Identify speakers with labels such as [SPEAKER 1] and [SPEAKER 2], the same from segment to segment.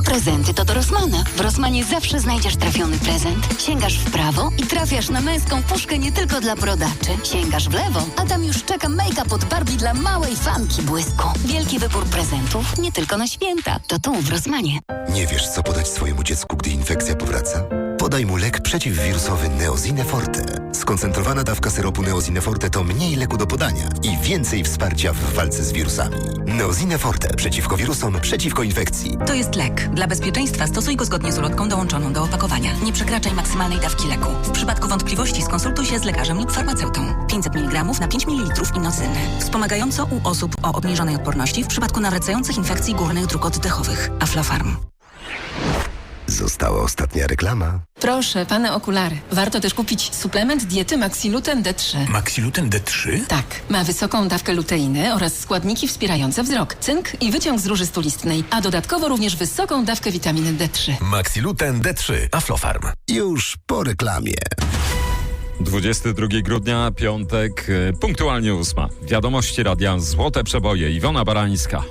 [SPEAKER 1] Prezenty to do Rossmana. W Rossmanie zawsze znajdziesz trafiony prezent. Sięgasz w prawo i trafiasz na męską puszkę nie tylko dla brodaczy. Sięgasz w lewo, a tam już czeka make-up od Barbie dla małej fanki błysku. Wielki wybór prezentów nie tylko na święta. To tu w Rossmanie.
[SPEAKER 2] Nie wiesz, co podać swojemu dziecku, gdy infekcja powraca? Podaj mu lek przeciwwirusowy Neosine Forte. Skoncentrowana dawka syropu Neosine Forte to mniej leku do podania i więcej wsparcia w walce z wirusami. Neosine Forte przeciwko wirusom, przeciwko infekcji.
[SPEAKER 3] To jest lek. Dla bezpieczeństwa stosuj go zgodnie z ulotką dołączoną do opakowania. Nie przekraczaj maksymalnej dawki leku. W przypadku wątpliwości skonsultuj się z lekarzem lub farmaceutą. 500 mg na 5 ml inocyny. Wspomagająco u osób o obniżonej odporności w przypadku nawracających infekcji górnych dróg oddechowych. Aflofarm.
[SPEAKER 2] Została ostatnia reklama.
[SPEAKER 4] Proszę, pane okulary. Warto też kupić suplement diety Maxiluten D3.
[SPEAKER 5] Maxiluten D3?
[SPEAKER 4] Tak, ma wysoką dawkę luteiny oraz składniki wspierające wzrok, cynk i wyciąg z róży stulistnej, a dodatkowo również wysoką dawkę witaminy D3.
[SPEAKER 5] Maxiluten D3. Aflofarm.
[SPEAKER 2] Już po reklamie.
[SPEAKER 6] 22 grudnia, piątek, punktualnie 8. Wiadomości radia Złote Przeboje. Iwona Barańska.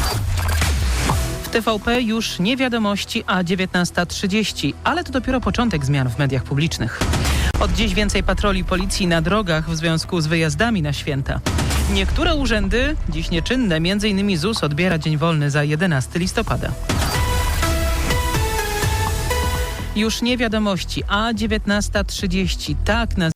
[SPEAKER 7] TVP już nie wiadomości, a 19:30, ale to dopiero początek zmian w mediach publicznych. Od dziś więcej patroli policji na drogach w związku z wyjazdami na święta. Niektóre urzędy dziś nieczynne, m.in. ZUS odbiera dzień wolny za 11 listopada. Już nie wiadomości, a 19:30, tak na